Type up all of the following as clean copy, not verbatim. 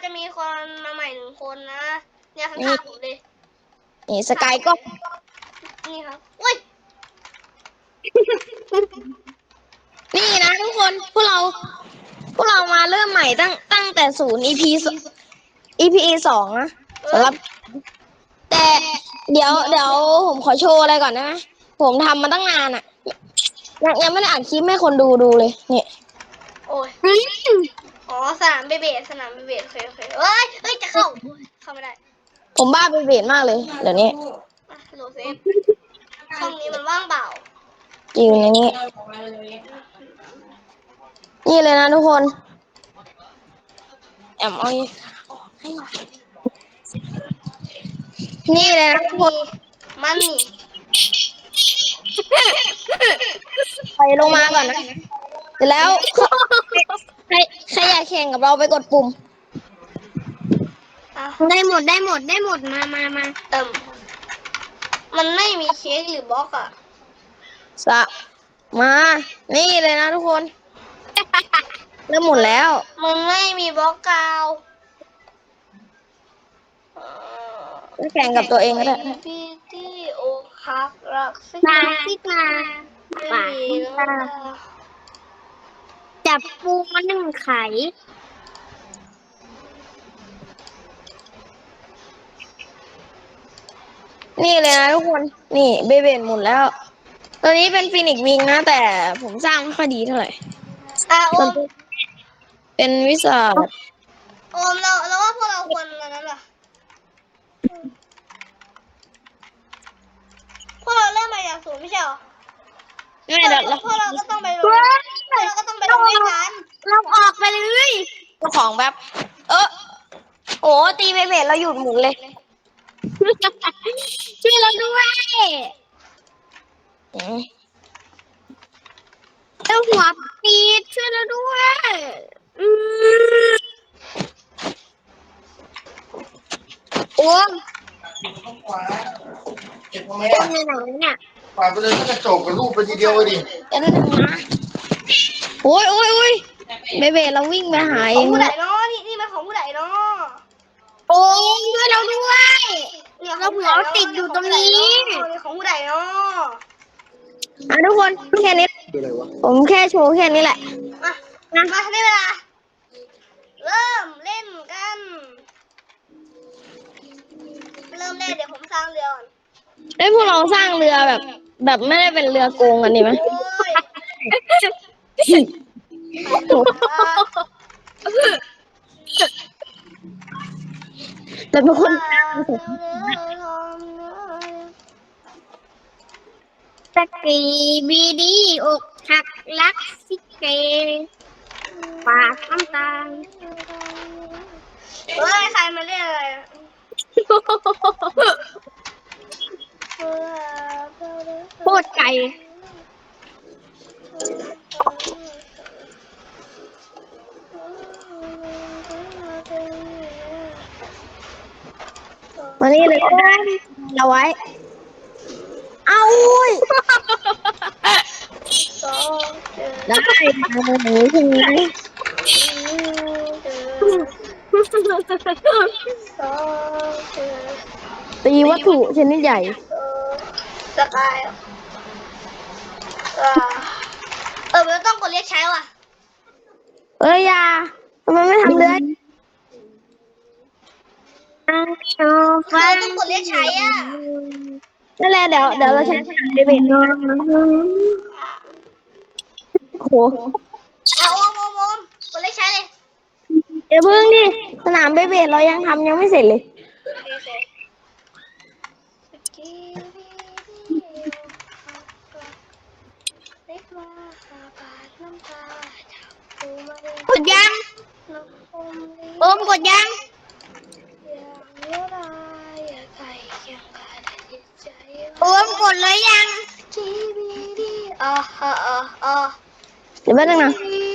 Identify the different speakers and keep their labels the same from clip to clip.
Speaker 1: จะมีคนมาใหม่1 คนนะเนี่ยข้างๆผมเลย
Speaker 2: นี่สกายก็
Speaker 1: นี่ครับอุ้ย
Speaker 2: นี่นะทุกคนพวกเรามาเริ่มใหม่ตั้งแต่0 EP 2นะสำหรับแต่เดี๋ยวผมขอโชว์อะไรก่อนนะผมทำมาตั้งนานอ่ะยังไม่ได้อ่านคลิปให้คนดูเลยเนี่ย
Speaker 1: โอ้ยอ๋อสนามเบเบดโอเคเอ้ยจะเข้าไม่ได้
Speaker 2: ผมบ้าไปเบสมากเลยเดี๋ยวนี้
Speaker 1: โหลเซฟช่องนี้มันว่างเปล่า
Speaker 2: อยู่ในนี้นี่เลยนะทุกคนแอมเอาให้หน่อยนี่เลยนะทุกคน
Speaker 1: มันนี่
Speaker 2: ไปลงมาก่อนนะเสร็จแล้วใครอยากแข่งกับเราไปกดปุ่ม
Speaker 3: ได้หมดมา
Speaker 1: มันไม่มีเค้กหรือบล็อกอ่ะ
Speaker 2: มานี่เลยนะทุกคนเริ่มหมดแล้ว
Speaker 1: มันไม่มีบล็อกกาว
Speaker 2: จะแข่งกับตัวเองก็ได้
Speaker 1: พี่ที่อกหักรักสิ
Speaker 3: มาที่มาปากจับปูมา1 ไข่
Speaker 2: นี่เลยนะทุกคนนี่เบเบนหมดแล้วตัวนี้เป็นฟินิกซ์วิงนะแต่ผมสร้างไม่ค่อยดีเท่าไหร่
Speaker 1: โอม
Speaker 2: เป็นวิสาด
Speaker 1: โอมเราว่าพวกเราควรอะไรนั้นล่ะพวกเราเริ่มมาจาก0ไม่ใช่หรอ
Speaker 2: ไม่เดี๋ยว
Speaker 1: พวกเราก็ต้องไปลงด้วยกัน
Speaker 3: เราออกไปเลย
Speaker 2: เจ้าของแบบโอ้ตีเบเบนเราหยุดหมุนเลย
Speaker 3: ช่วยเราด้วย เจ้าหัวปีดช่วยเราด้วยโอ้มเป็นยังไงเนี่ย
Speaker 4: ปาดไปเลยก็กระจกกับรูปไปทีเดียวเลยดิ
Speaker 2: จะได้ทำนะโอ้ยเบเบนเราวิ่งไปหา
Speaker 1: ข
Speaker 2: เอ
Speaker 1: อง
Speaker 2: ง
Speaker 1: ผู้ใดเนาะนี่มันของผู้ใดเนาะ
Speaker 3: โอ้มช่วยเราด้วยเราหัวติดอยู่ตรงนี้
Speaker 1: นี่ของผู้ใดเนาะ
Speaker 2: ทุกคนแค่นี้ผมแค่โชว์แค่นี้แหละ
Speaker 1: มาได้เวลาเริ่มเล่นกันเดี๋ยวผมสร้างเรือก่อน
Speaker 2: พวกเราสร้างเรือแบบไม่ได้เป็นเรือโกงกันดีไหม
Speaker 1: โอ้ย
Speaker 2: แต่เป็นคน
Speaker 3: สกีบีดีอกหักรักสิเกปากน้ำตา
Speaker 1: เฮ้ยใครมาเรียกอะไร
Speaker 3: โคตรไก่
Speaker 2: มานี่เลยเอาไว้เอาอุ้ยได้หนูถึงไหนตีวัตถุชนิดใหญ่
Speaker 1: สกายมันต้องกดเรียกใช้ว่ะ
Speaker 2: อย่าทำไมไม่ทำเลย
Speaker 1: เราต้องกดเรียกใช้อ่ะ
Speaker 2: นั่นแหละเดี๋ยวเราใช้สนามเดบิตโอ้โห
Speaker 1: เอาโอมกดเรียกใช้เลย
Speaker 2: เดี๋ยวเพิ่งดิสนามเบเบตเรายังไม่เสร็จเลย
Speaker 3: กดยังโอมกดยังโอมกดเลยยัง
Speaker 2: เดี๋ยวแป๊บนึงนะ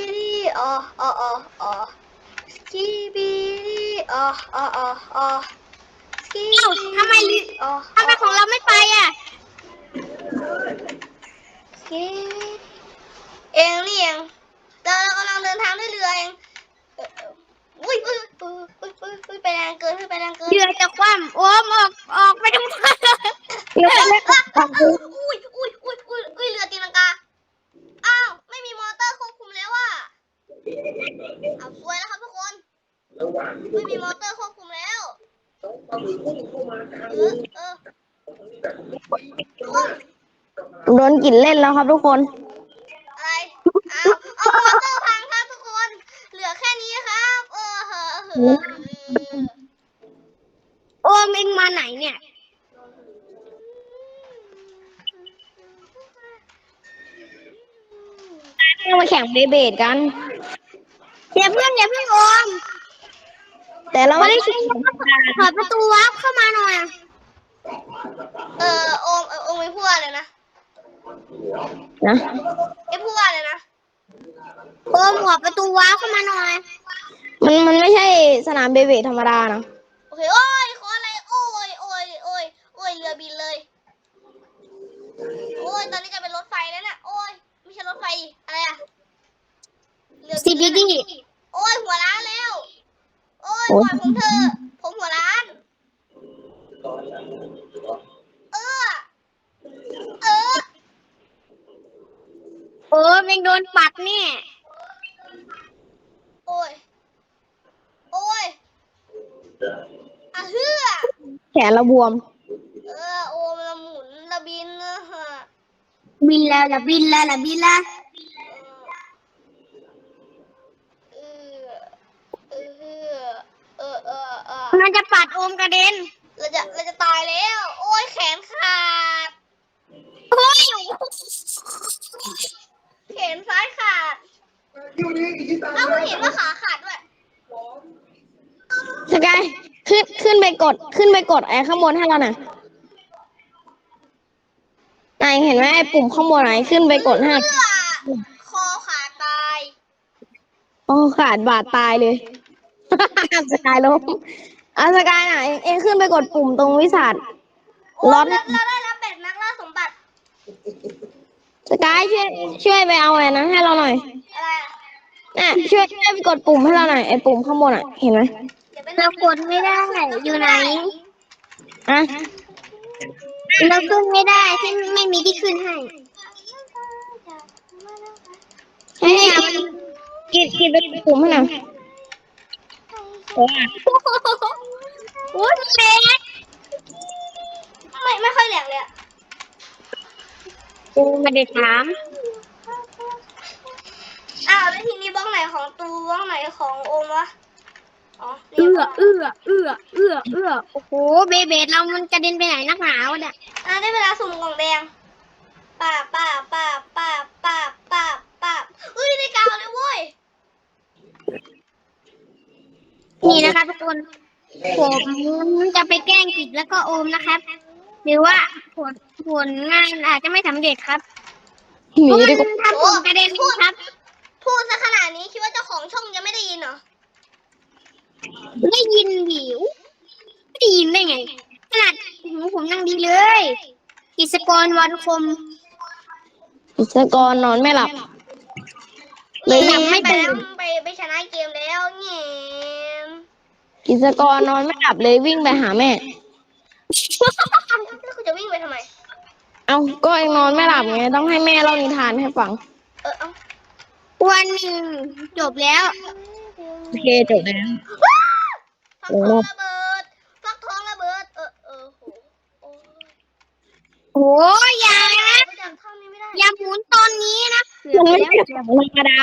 Speaker 3: ทำไมของเราไม่ไปอ่ะ
Speaker 1: เองนี่เองเรากำลังเดินทางด้วยเรือเองอุ้ยไปแรงเกินไปแรงเกิน
Speaker 3: เรือจะคว่ำโอมออกไปตรงนั้น
Speaker 2: เรือเล็ก
Speaker 1: อุ้ยเรือตีลังกาอ้าวไม่มีมอเตอร์ควบคุมแล้วอ่ะเอาสวยแล้วครับทุกคนไม่มีมอเตอร์ควบคุมแล้ว
Speaker 2: โดนกลิ่นเล่นแล้วครับทุกคน
Speaker 1: อะไรเอามอเตอร์พังครับทุกคนเหลือแค่นี้ครับ
Speaker 3: โอมเองมาไหนเนี่ย
Speaker 2: เรามาแข่งเบสกัน
Speaker 3: อย่าเพิ่งโอม
Speaker 2: แต่เราไม่ได้
Speaker 3: เปิดประตูวับเข้ามาหน่อย
Speaker 1: โอมไม่พูดอะไรนะ
Speaker 2: นะ
Speaker 1: พูดอะไรนะ
Speaker 3: โอมหัวประตูวับเข้ามาหน่อย
Speaker 2: มันไม่ใช่สนามเบสธรรมดานะ
Speaker 1: โอเคโอ้ยขออะไรโอ้ยเรือบินเลยโอ้ยตอนนี้จะเป็นรถไฟแล้วเนี่ยโอ้ยไม่ใช่รถไฟอะไรอะเรือ
Speaker 3: CBD
Speaker 1: โอ้ยหัวร้านแล้วโอ้ยปล่อยผมเถอะผมหัวร้านเออ
Speaker 3: โอมเองโดนปัดเนี่ย
Speaker 1: โอ้ยอะเฮือ
Speaker 2: แขนเราบวม
Speaker 1: โอมละหมุนละบินนะฮะ
Speaker 3: บินแล้วละบินแล้วละบินแล้ว มันจะปัดโอมกระเด็น
Speaker 1: เราจะตายแล้ว โอ้ยแขนขาด
Speaker 3: โอ้ย
Speaker 1: แขนซ้ายขาดเอ้าเห็นว่าขาขาดด้วย
Speaker 2: สกายขึ้นไปกดไอ้ข้างบนให้เราหน่อยนายเห็นไหมไอ้ปุ่มข้างบนไหนขึ้นไปกดให้
Speaker 1: คอขาดตาย
Speaker 2: โอ้ขาดบาดตายเลย สกายล้มสกายไหนเองขึ้นไปกดปุ่มตรงวิสัท
Speaker 1: โอ้
Speaker 2: ร้อน
Speaker 1: เราได้รับเป็ดนักล่าสมบัติ
Speaker 2: สกายช่วยไปเอาไอ้นั้นให้เราหน่อย
Speaker 1: อะไรอะ
Speaker 2: น่ะช่วยไปกดปุ่มให้เราหน่อยไอ้ปุ่มข้างบนอ่ะเห็นไหม
Speaker 3: เรากดไม่ได้ อยู่ไหน
Speaker 2: อ่ะ
Speaker 3: เราขึ้นไม่ได้ที่ไม่มีที่ขึ้นให้
Speaker 2: ให้กินไปกดปุ่มให้หน่อย
Speaker 3: โอ้ยเล็ก
Speaker 1: ไม่ค่อยแหลกเลยอะ
Speaker 3: กูไม่ได้ถาม
Speaker 1: อ้าวแล้วทีนี้บล็อกไหนของตูบล็อกไหนของโอมวะอ๋อนี่
Speaker 3: เอื้
Speaker 1: บ
Speaker 3: อ
Speaker 1: ล็อก
Speaker 3: เอื้อเอื้อเอื้อเอื้อโอ้โหเบเบดเรามันกระเด็นไปไหนนักหนาวะเนี่ย
Speaker 1: ได้เวลาสุ่มกล่องแดงป้าอุ้ยได้กาวเลยเว้ย
Speaker 3: นี่นะคะทุกคนผมจะไปแกล้งกิจแล้วก็โอมนะครับ หรือว่าผลงานอาจจะไม่สำเร็จครับ
Speaker 2: หนี
Speaker 3: เพราะ
Speaker 2: ดีก
Speaker 3: มั
Speaker 2: ว่าน
Speaker 3: ทำผมกระเด็นครับ
Speaker 1: พูดซะขนาดนี้คิดว่าเจ้าของช่องจะไม่ได้ยินเหรอ
Speaker 3: ได้ยินหิวไม่ได้ยินได้ไงขนาดหูผมยังดีเลยกิจกรวันคม
Speaker 2: อิสกรนอนไม่หลับ เลยยังไม่
Speaker 1: ไป
Speaker 2: ตื่
Speaker 1: แล้ว
Speaker 2: น
Speaker 1: ไปชนะเกมแล้วเงี้ย
Speaker 2: กิจกรนอนไม่หลับเลยวิ่งไปหาแม่
Speaker 1: แล้วคุณจะวิ่งไปทำไม
Speaker 2: เอาก็เองนอนไม่หลับไงต้องให้แม่เล่านิทานให้ฟัง
Speaker 1: เอ้า
Speaker 3: วันหนึ่งจบแล้ว
Speaker 2: โอเคจบแล้ว
Speaker 1: ฟักทองระเบิดโห
Speaker 3: โอ้ยอย่านะ
Speaker 1: จำท่อนนี้ไม่ได้
Speaker 3: อย่าหมุนตอนนี้นะ
Speaker 2: มันไม่ใช่ของธรรมดา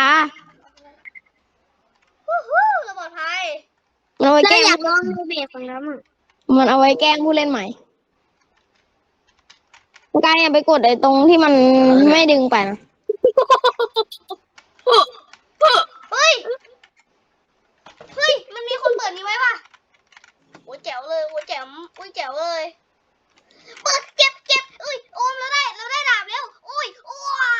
Speaker 1: ระเบิดภัย
Speaker 2: มันเอาไว้
Speaker 3: เรา
Speaker 2: แกล้ง
Speaker 3: อยากลองดูเบรกของเรามั่ง
Speaker 2: มันเอาไว้แกล้งผู้เล่นใหม่กายอย่าไปกดไอ้ตรงที่มันไม่ดึงไปนะ
Speaker 1: เฮ้ยมันมีคนเปิดนี้ไว้ป่ะโอ้แจ๋วเลยโอ้แจ๋วเลยเปิดเก็บอุ้ยโอมเราได้ดาบแล้วอุ้ยโอ้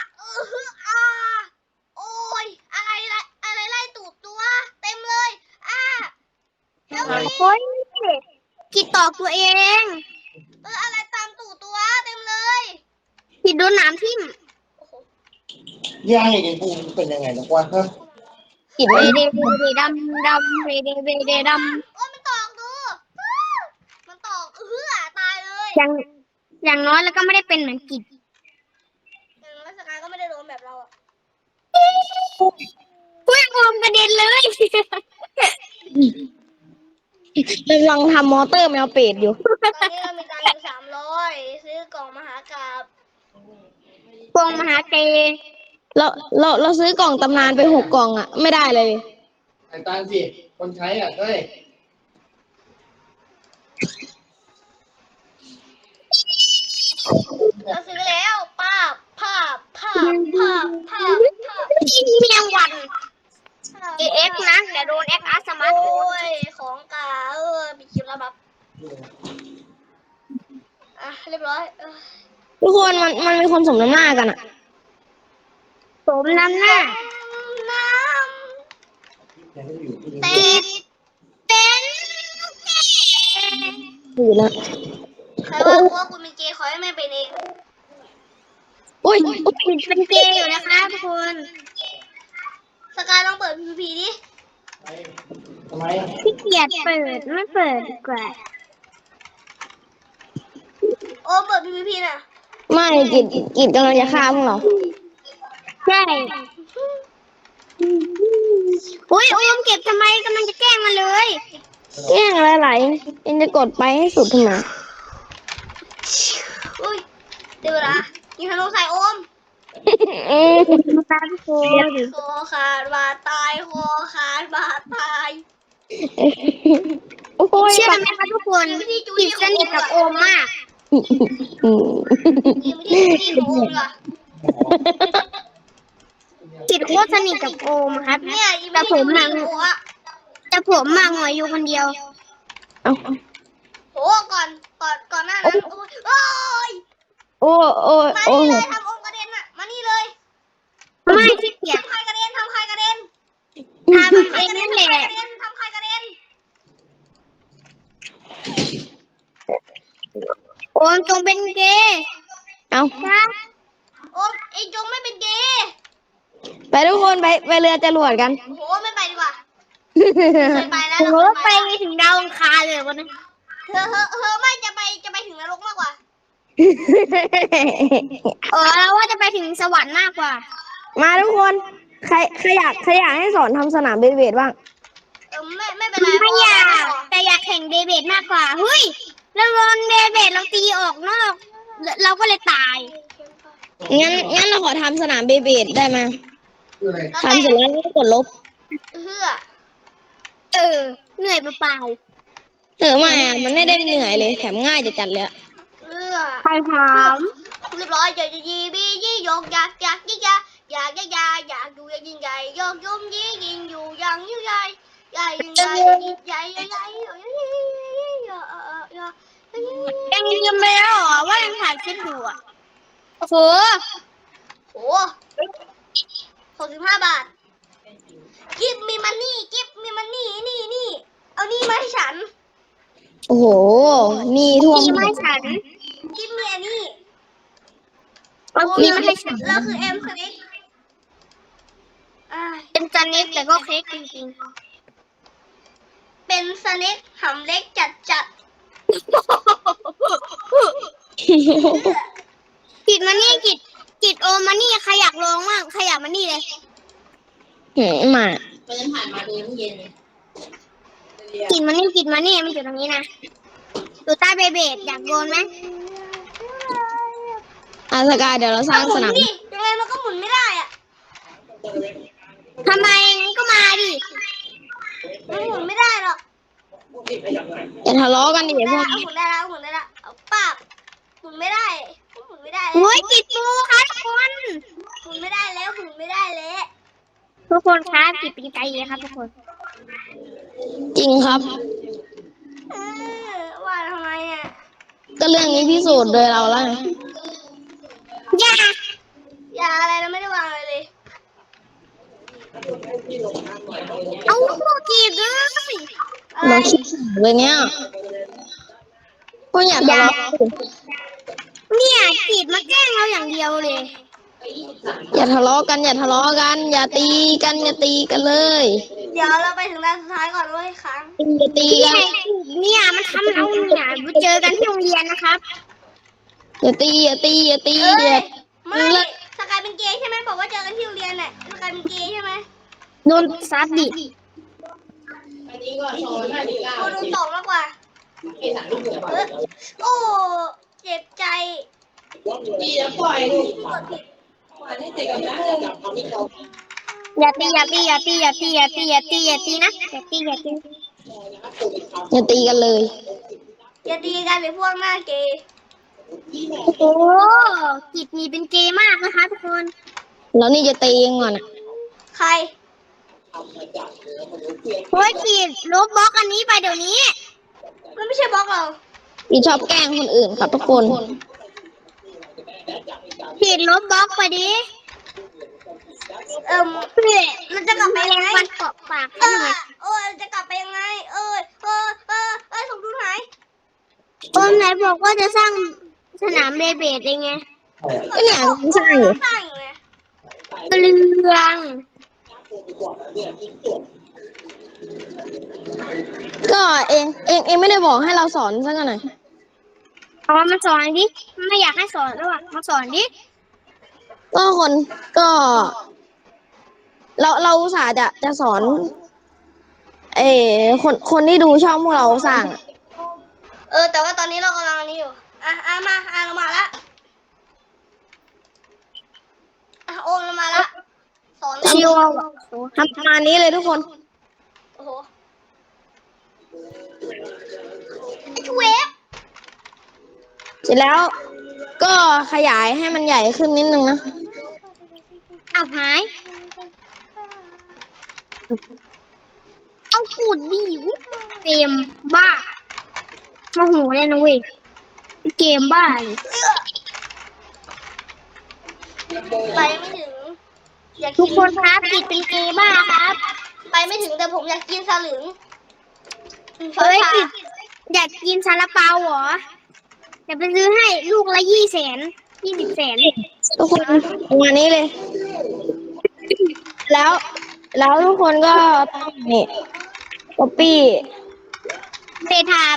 Speaker 1: โอ้ยอะไรไล่ตูดตัวเต็มเลยแล้วมี
Speaker 3: โอ้ยผิดตอกตัวเอง
Speaker 1: อะไรตามตูดตัวเต็มเลย
Speaker 3: ผิดโดนหนามทิ่ม
Speaker 1: โอ้โห
Speaker 4: ย่าไอ้ปูมันเป็นยังไงนะวะฮะ
Speaker 2: กิด
Speaker 3: เว
Speaker 2: ไม่
Speaker 3: เดเวเดดำดำเวเดเวเดด
Speaker 1: โอ้ยมันตอกดูมันตอกตายเลย
Speaker 3: ำอย่างน้อยแล้วก็ไม่ได้เป็นเหมือนกิจ
Speaker 1: แล้วสกายก็ไม่ได้โดนแบบเราอะ
Speaker 3: อุ้ยโอมกระเด็นเลย
Speaker 2: กำลังทำมอเตอร์แมวเป็ดอยู่
Speaker 1: ตอนนี้เรามีตังค์อยู่300ซื้อกล่องมหากาพย์
Speaker 3: พวงมหาเต
Speaker 2: เราซื้อกล่องตำนานไป6 กล่องอ่ะ ไม่ได้เลย
Speaker 4: ไอ้ตาลสิคนใช้อ่ะเฮ้ย
Speaker 1: เราซื้อแล้วภาพ
Speaker 3: เมียงวัน AX นะเดี๋ยวโดน XR สมาร์ท
Speaker 1: โอ้ยของกามีคลิปแล้วแบบอ่ะเรียบร้อย
Speaker 2: ทุกคนมันมีคนสมน้ำหน้ากันอ่ะ
Speaker 3: สมน้ำหน้า
Speaker 1: น้ำติด
Speaker 3: เป็น
Speaker 2: อยู่แล้ว
Speaker 1: ใครว่าพวกคุณเป็นเกย์ขอให้แม่เป็นเอง
Speaker 2: อุ้ย
Speaker 3: เป็นเกย์อยู่นะคะทุกคน
Speaker 1: สกายลองเปิด PVP ดิ
Speaker 4: ทำไมอ่ะ
Speaker 3: ขี้เกียจเปิดไม่เปิดดีกว่า
Speaker 1: โอ้เปิด PVP น่ะ
Speaker 2: ไม่กิดกำลังจะฆ่าพวกเรา
Speaker 3: ใช่อุ้ยโอมเก็บทำไมกำลังจะแกล้งมันเลย
Speaker 2: แย่งอะไรเอ็นจะกดไปให้สุดทำไม
Speaker 1: อุ้ยเดี๋ยวเวลายิงธนูใส่โอม
Speaker 3: ตาทุกคน
Speaker 1: คอขาดบาดตายคอขาดบาดตาย
Speaker 2: โอ้ย
Speaker 3: เชื่อไหมคะทุกคนกิจสนิทกับโอมมาก
Speaker 1: ยิงไม่ที่ของโอมเหรอ
Speaker 3: กิจโคตรสนิทกับโอมครับ
Speaker 1: เนี่ยยิง
Speaker 3: แต่
Speaker 1: ไม่
Speaker 3: ผ
Speaker 1: ที่
Speaker 3: ม
Speaker 1: ข
Speaker 3: มั
Speaker 1: อง
Speaker 3: ง
Speaker 1: โอมอะ
Speaker 3: แต่ผมมังหัวอยู่คนเดียว
Speaker 2: เอา
Speaker 1: โหก่อนหน้านั้นโอ้ย
Speaker 2: โอ้โอ้
Speaker 1: มา
Speaker 2: โอ้
Speaker 1: นี่เลยทำโอมกระเด็นอะมานี่เลย
Speaker 3: ไม่ขี้เกียจ
Speaker 1: ทำใครกระเด็นทำใครกระเด็น
Speaker 3: ทำเองนั่นแหละ
Speaker 1: ทำใครกระเด็น
Speaker 3: โอมจงเป็นเกย์
Speaker 2: เอา
Speaker 3: ครับ
Speaker 1: โอมไอ้จงไม่เป็นเกย์
Speaker 2: ไปทุกคนไปเรือจรวดกัน
Speaker 1: โหไม่ไปดีกว่าเคยไปแล้ว
Speaker 3: โอ้
Speaker 1: เรา
Speaker 3: โห
Speaker 1: เคย
Speaker 3: ไปถึงดาวอังคารเลยวันนั้น
Speaker 1: ไม่จะไปถึงนรกมากกว่า
Speaker 3: เราว่าจะไปถึงสวรรค์มากกว่า
Speaker 2: มาทุกคนใครอยากให้สอนทำสนามเบเบดบ้าง
Speaker 1: ไม่เป็นไร
Speaker 3: ไม่อยากแต่อยากแข่งเดเบตมากกว่าเฮ้ยเราโดนเดเบตเราตีออกนอกเราก็เลยตาย
Speaker 2: งั้นเราขอทำสนามเบเบดได้ไหม
Speaker 4: คืออะไร
Speaker 2: ทำเสร็จแล้วก็กดลบ
Speaker 3: เหนื่อยเปล่า
Speaker 2: ไม่อะมันไม่ได้เหนื่อยเลยแถมง่ายจะจัดเลยอะ
Speaker 3: ๆใครถาม
Speaker 1: เรียบร้อยจะยีบียี่ยกอยากยิ่งใหญ่อยากดูอย่างยิ่งใหญ่ยกยุ่มยี่ยิงอยู่อย่างยิ่งใหญ่ใหญ่ยิ่งใหญ่ใหญ่ใหญ่ใหญ่
Speaker 3: ยังลืมไปแล้วเหรอว่ายังถ่ายคลิปอยู่อ่ะโอ้โห
Speaker 1: โอ้65 บาทกิฟมีมันนี่นี่เอานี่มาให้ฉัน
Speaker 2: โอ้โหนี่ท่วม
Speaker 3: มีไม่ฉัน
Speaker 1: กิฟมีอันนี้
Speaker 3: เอามีมาให้ฉัน
Speaker 1: เราคือเอ็มสนิท
Speaker 3: เป็นจันนิดแต่ก็เค้กจริง
Speaker 1: เป็นสนิทหำเล็กจัด
Speaker 3: ๆกิดมานี่กิดโอมานี่ใครอยากลองบ้างใครอยากมานี่เลย
Speaker 2: มา
Speaker 3: กิดมานี่มันอยู่ตรงนี้นะอยู่ใต้เบเบดอยากโดนไหม
Speaker 2: อาสกายเดี๋ยวเราสร้างสนาม
Speaker 1: ดิยังไงมันก็หมุนไม่ได้อะ
Speaker 3: ทำไมงั้นก็มาดิ
Speaker 1: มันหมุนไม่ได้หรอก
Speaker 2: อย่าทะเลาะกันดิพวก
Speaker 1: หมุนได้แล้วเอาป้าบหมุนไม่ได้หมุนไม่ได้
Speaker 3: โอ้ยกิดปูค่ะทุกคน
Speaker 1: หมุนไม่ได้แล้วหมุนไม่ได้แล้ว
Speaker 3: ทุกคนครับกิดเป็นไกลเลยครับทุกคน
Speaker 2: จริงครับ
Speaker 1: ว่าทำไมอ่ะ
Speaker 2: ก็เรื่องนี้พิสูจน์โดยเราแล้วไง
Speaker 3: อย่า
Speaker 1: อย่าอะไรเราไม่ได้วางอะไรเลย
Speaker 3: เอาพวกกีดเลย
Speaker 2: เราคิดเลยเนี่ยก็อย่าทะเลาะ
Speaker 3: เนี่ยกีดมาแกล้งเราอย่างเดียวเลย
Speaker 2: อย่าทะเลาะกัน อย่าทะเลาะกัน อย่าตีกัน อย่าตีกันเลย
Speaker 1: เดี๋ยวเราไปถึงด้านสุดท้ายก่อนเว้ยค้าง
Speaker 2: อย่าตี
Speaker 3: นี่
Speaker 2: กัน
Speaker 3: ไงเนี่ยมันทำเอาเนี่ยไปเจอกันที่โรงเรียนนะครับ
Speaker 2: อย่าตี อย่าตี อย่าตี
Speaker 1: เอ้
Speaker 2: อย่าย
Speaker 1: ไม่สกายเป็นเกย์ใช่ไหมบอกว่าเจอกันที่โรงเรียนน่ะสกายเป็นเกย์ใช่ไหม
Speaker 3: โดนซัดดิ
Speaker 4: อันนี้ก็สอน59
Speaker 1: โอ้โดนตกมากกว่า
Speaker 4: ไอ้สารลูกเหนือ
Speaker 1: เออโอ้เจ็บใจ
Speaker 4: พี่จะปล่อยลูก
Speaker 1: ที่กดผิด
Speaker 4: ปล่อยให้เด็กกับน้าจับทำให้เขา
Speaker 3: อย่าตีอย่าตีอย่าตีอย่าตีอย่าตีอย่าตีอย่าตีนะอย่าตีอย่าตี
Speaker 2: อย่าตีกันเลย
Speaker 1: อย่าตีกันเลยพวกหน้าเกย์
Speaker 3: โอ้กิจนี่เป็นเกย์มากนะคะทุกคน
Speaker 2: แล้วนี่จะตียังก่อนอ่ะ
Speaker 1: ใคร
Speaker 3: เฮ้ยกิจลบบล็อกอันนี้ไปเดี๋ยวนี้
Speaker 1: มันไม่ใช่บล็อกเรา
Speaker 2: พี่ชอบแกล้งคนอื่นครับทุกคน
Speaker 3: กิจลบบล็อกไปดิ
Speaker 1: มันจะกลับไปยังไง
Speaker 3: ฟันเกาะปาก
Speaker 1: เอ
Speaker 3: ให้หน่
Speaker 1: อ
Speaker 3: อย
Speaker 1: จะกลับไปยังไง สมดุลหาย
Speaker 3: โอมไหนบอกว่าจะสร้างสนามเบเบดเองไง
Speaker 2: ก็เนี่ยไม่ใช่
Speaker 1: สร้างอยู่ไง
Speaker 3: เรื่อง
Speaker 2: ก็เองไม่ได้บอกให้เราสอนสักหน่อย
Speaker 3: เอามาสอนดิ ไม่อยากให้สอนแล้วอ่ะมาสอนดิ
Speaker 2: ก็ เราอุตส่าห์จะสอน คนที่ดูช่องพวกเราสร้างอะ
Speaker 1: แต่ว่าตอนนี้เรากำลังอันนี้อยู่ เรามาละโอมเรามาละ สอนเลย
Speaker 3: ชิวอะ
Speaker 2: ทำประมาณนี้เลยทุกคน
Speaker 1: โอ้โหไอ้เวฟ
Speaker 2: เสร็จแล้วก็ขยายให้มันใหญ่ขึ้นนิดนึงนะ
Speaker 3: เอาหาย เอาปูดดิวเกมบ้าโมโหเลยนะเว้ยเกมบ้าเลย
Speaker 1: ไปไม่ถึง อยาก
Speaker 3: ทุ
Speaker 1: กิ
Speaker 3: กคนครับกิจเป็นเกมบ้าครับ
Speaker 1: ไปไม่ถึงแต่ผมอยากกินสลึง
Speaker 3: เฮ้ยกิจอยากกินซาลาเปาเหรอเดี๋ยวไปซื้อให้ลูกละ20 แสน
Speaker 2: ทุกคนประมาณนี้เลย แล้วทุกคนก็ต้องนี่ก๊อปปี้
Speaker 3: เซทาม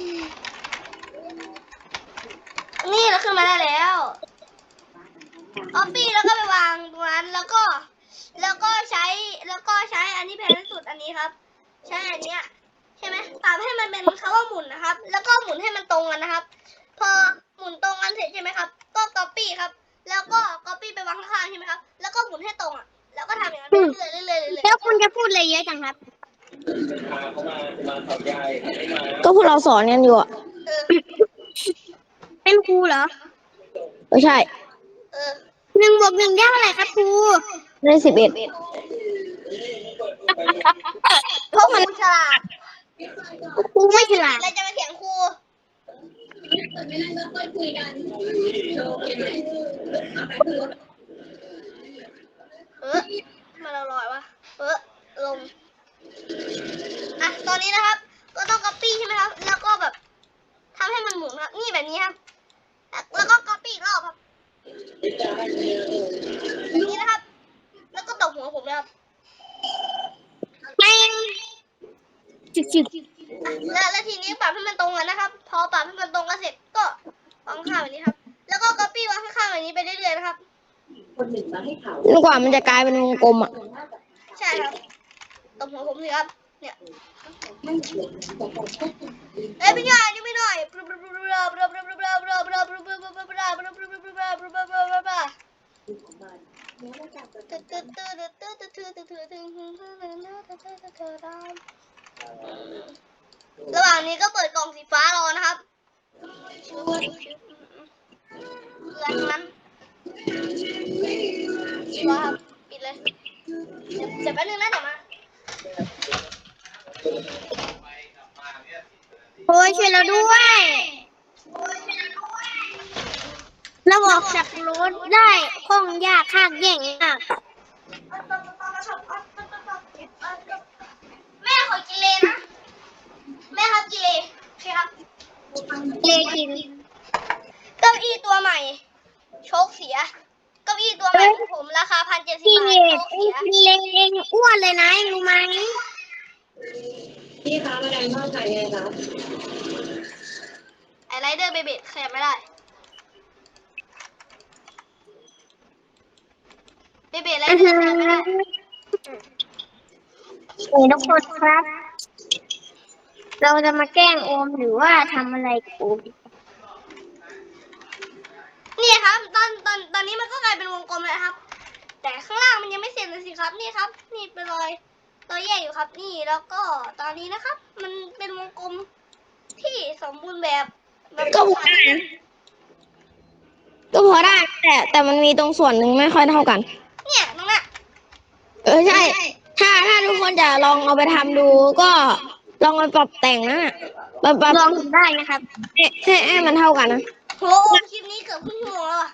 Speaker 1: นี่เราขึ้นมาได้แล้วออปปี้แล้วก็ไปวางตรงนั้นแล้วก็ใช้อันนี้แพงที่สุดอันนี้ครับ ใช้อันเนี้ยใช่ไหมปรับให้มันเป็นคำว่าหมุนนะครับ แล้วก็หมุนให้มันตรงกันนะครับ พอหมุนตรงกันเสร็จใช่ไหมครับ ก็ก๊อปปี้ครับ แล้วก็ก๊อปปี้ไปวางข้างๆใช่ไหมครับ แล้วก็หมุนให้ตรงอ่ะ แล้วก็ทำอย่างนั้นไปเรื่อยๆเรื่อยๆเรื่อย
Speaker 3: แล้วคุณจะพูดอะไรเยอะจังครับ
Speaker 2: ก็พวกเราสอนกันอยู่อ่ะ
Speaker 1: ๆเออ
Speaker 3: เป็นครูเหรอ
Speaker 2: ไม่ใช่
Speaker 1: เออ
Speaker 3: 1+1ได้เท่าไหร่ครับครู
Speaker 2: ได้11
Speaker 1: เพราะมันฉลาด
Speaker 3: ครูไม่ฉลาด
Speaker 1: เราจะมาเถียงครูมาเราลอยวะลงอ่ะตอนนี้นะครับ ก็ต้องก๊อปปี้ใช่ไหมครับ แล้วก็แบบทำให้มันหมุนครับ นี่แบบนี้ครับ แล้วก็ก๊อปปี้อีกรอบครับแบบนี้นะครับ แล้วก็ตบหัวผมนะครับ
Speaker 3: แป้งจึก
Speaker 1: แล้วทีนี้ปรับให้มันตรงกันนะครับ พอปรับให้มันตรงกันเสร็จก็วางข้างแบบนี้ครับ แล้วก็ก๊อปปี้วางข้างๆแบบนี้ไปเรื่อยๆนะครับ
Speaker 2: จนกว่ามันจะกลายเป็นวงกลมอ่ะ
Speaker 1: ใช่ครับตบหัวผมสิครับ เนี่ยพี่ใหญ่นี่ไม่หน่อยระหว่างนี้ก็เปิดกล่องสีฟ้ารอนะครับเรือทั้งนั้นรอครับปิดเลยเดี๋ยวแป๊บนึงนะเดี๋ยวมา
Speaker 3: โอ้ยช่วยเราด้วยเราออกจากรถได้คล่องยากข้างแย่งอ่ะ
Speaker 1: แม่ขอกินเลนะ แม่ครับกินเลใช่ครับ
Speaker 3: เลกิน
Speaker 1: เก้าอี้ตัวใหม่ โชคเสีย เก้าอี้ตัวใหม่
Speaker 3: ดเองกินเล็กเองอ้วนเลยนะเองรู้ไหม
Speaker 4: พี่คะมาแดงทอดขายไงคะ
Speaker 1: ไอไรเดอร์เบเบดขยับไม่ได้เบเบดไรเดอร์ขยับไม่ได้
Speaker 3: นี่ทุกคนครับ เราจะมาแกล้งโอมหรือว่าทำอะไรกับโอม
Speaker 1: นี่ครับตอนนี้มันก็กลายเป็นวงกลมแล้วครับ แต่ข้างล่างมันยังไม่เสร็จเลยสิครับนี่ครับ นี่เป็นรอยแยกอยู่ครับนี่แล้วก็ตอนนี้นะครับ มันเป็นวงกลมที่สมบูรณ์แบบ
Speaker 2: ก็พอได้นะก็พอได้แต่มันมีตรงส่วนหนึ่งไม่ค่อยเท่ากัน
Speaker 1: เนี่ยตรงนั้น
Speaker 2: ใช่ ถ้าทุกคนจะลองเอาไปทำดูก็ลองไปปรับแต่งนะปรับ
Speaker 3: ลองทำได้นะครับ
Speaker 2: ให้มันเท่ากันนะ
Speaker 1: โหคลิปนี้เกือบครึ่งชั่วโมงแล้วอ่ะ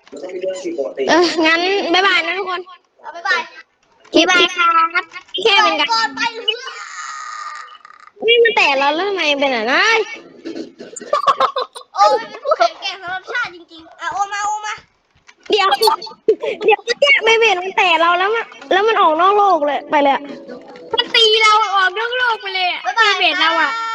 Speaker 2: งั้นบ๊ายบายนะทุกคน
Speaker 1: เอาบ๊ายบาย
Speaker 3: บ๊ายบายครับ
Speaker 2: แค่เป็นการ
Speaker 1: ก่อนไปเรือ
Speaker 2: นี่มันแต่เราแล้วทำไมเป็นอ่ะนะ
Speaker 1: โอ้ยเป็นผู้แข็งแกร่งสำหรับชาติจริงๆอ่ะโอมา
Speaker 2: เดี๋ยวแค่ไม่เป็นมันแต่เราแล้วมันออกนอกโลกเลยไปเลยอะ
Speaker 3: มันตีเราออกนอกโลกไปเลยอะ
Speaker 1: บ๊ายบาย
Speaker 3: เบสเราอะ
Speaker 1: ค่ะ